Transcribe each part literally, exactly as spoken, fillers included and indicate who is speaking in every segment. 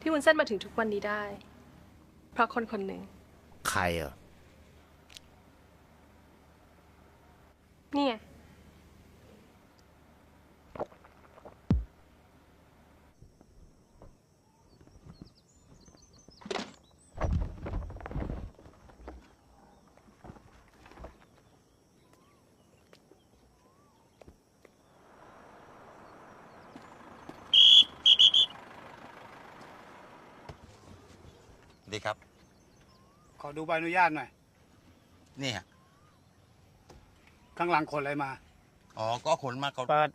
Speaker 1: พี่วุ้นเส้นมาถึงทุกวันนี้ได้ เพราะคนคนหนึ่ง
Speaker 2: ใครอ่ะ
Speaker 1: นี่ไง
Speaker 3: ดีครับ
Speaker 4: ขอดูใบอนุญาตหน่อย
Speaker 3: นี่ฮะ
Speaker 4: ข้างหลังขนอะไรมา
Speaker 3: อ๋อ ก็ขนมาเขา
Speaker 4: เปิด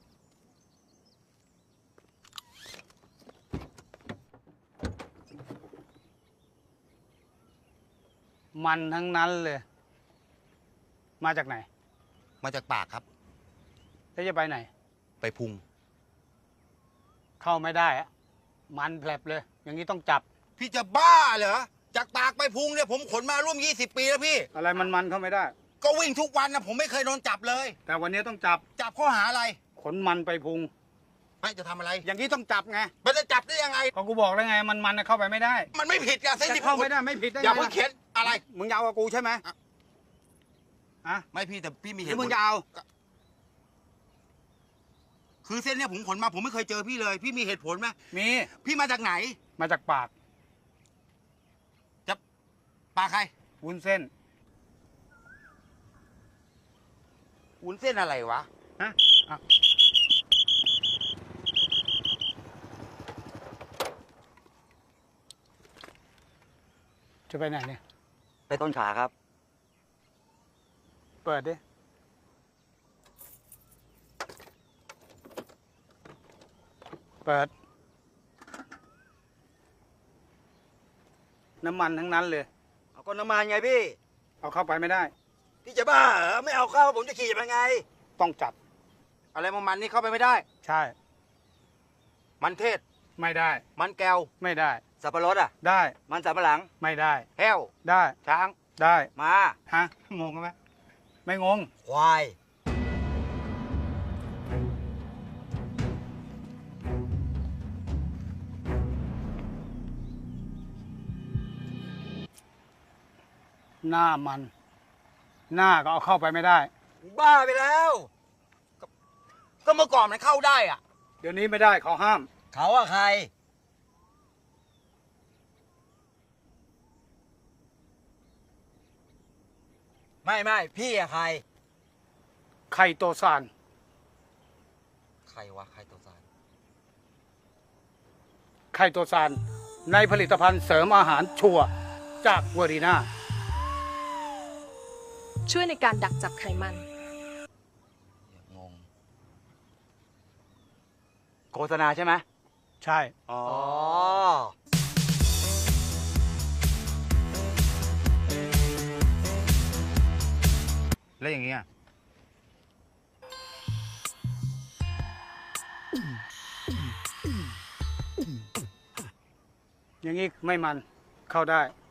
Speaker 4: มันทั้งนั้นเลย มาจากไหน
Speaker 3: มาจากปากครับ
Speaker 4: แล้วจะไปไหน
Speaker 3: ไปพุง
Speaker 4: เข้าไม่ได้อะมันแผลบเลย อย่างนี้ต้องจับ
Speaker 3: พี่จะบ้าเหรอ จากปากไปพุงเนี่ยผมขนมาร่วมยี่สิบปีแล้วพี่
Speaker 4: อะไรมันมันเข้าไม่ได้
Speaker 3: ก็วิ่งทุกวันนะผมไม่เคยโดนจับเลย
Speaker 4: แต่วันนี้ต้องจับ
Speaker 3: จับข้อหาอะไร
Speaker 4: ขนมันไปพุง
Speaker 3: ไม่จะทำอะไร
Speaker 4: อย่างนี้ต้องจับไง
Speaker 3: มันจะจับได้ยังไง
Speaker 4: ก็กูบอกแล้วไง มันมันเข้าไปไม่ได้
Speaker 3: มันไม่ผิดอะเส้น
Speaker 4: จะ
Speaker 3: ที่
Speaker 4: เข้าไม่ได้ไม่ผิดได้ไง
Speaker 3: อย่าเพิ่งเขียนอะไร
Speaker 4: มึงยาวกับกูใช่ไหมอะ
Speaker 3: ไม่พี่แต่พี่มี
Speaker 4: ห
Speaker 3: เห
Speaker 4: รือ
Speaker 3: ตุ
Speaker 4: มึ
Speaker 3: ผ
Speaker 4: ง
Speaker 3: ล
Speaker 4: ยาว
Speaker 3: คือเส้นเนี่ยผมขนมาผมไม่เคยเจอพี่เลย พี่มีเหตุผลไหม
Speaker 4: มี
Speaker 3: พี่มาจากไหน
Speaker 4: มาจากปาก
Speaker 3: จะปากใคร
Speaker 4: วุ้นเส้น
Speaker 3: วุ้นเส้นอะไรวะ
Speaker 4: ฮะอ่ะจะไปไหนเนี่ย
Speaker 5: ไปต้นขาครับ
Speaker 4: เปิดดิ เปิด น้ำมันทั้งนั้นเลย
Speaker 5: เอาก้นน้ำมันไงพี่
Speaker 4: เอาเข้าไปไม่ได้
Speaker 5: พี่จะบ้าเหรอ ไม่เอาเข้าผมจะขี่ยังไง
Speaker 4: ต้องจับ
Speaker 3: อะไรมันมันนี่เข้าไปไม่ได้
Speaker 4: ใช่
Speaker 3: มันเทศ
Speaker 4: ไม่ได้
Speaker 3: มันแก้ว
Speaker 4: ไม่ได้
Speaker 5: สับปะรดอ่ะ
Speaker 4: ได้
Speaker 5: มันสับปะหลัง
Speaker 4: ไม่ได้
Speaker 3: แห้ว
Speaker 4: ได้
Speaker 3: ช้าง
Speaker 4: ได้
Speaker 5: มา
Speaker 4: ฮะ งงไหม ไม่งง
Speaker 5: ควาย
Speaker 4: หน้ามัน หน้าก็เอาเข้าไปไม่ได้
Speaker 5: บ้าไปแล้ว
Speaker 3: ก็เมื่อก่อนมันเข้าได้อะ
Speaker 4: เดี๋ยวนี้ไม่ได้เขาห้าม
Speaker 5: เขาอะใคร ไม่ไม่พี่อะใคร
Speaker 4: ไข่โตซาน
Speaker 3: ใครวะใครตัวสาร
Speaker 4: ไข่โตซาน ในผลิตภัณฑ์เสริมอาหารชัวร์จากเวอรีนา
Speaker 1: ช่วยในการดักจับไขมัน
Speaker 3: งง
Speaker 5: โฆษณาใช่ไหม
Speaker 4: ใช่
Speaker 5: อ๋อ
Speaker 3: แล้วอย่างเงี้ย
Speaker 4: อย่างนี้ไม่มันเข้าได้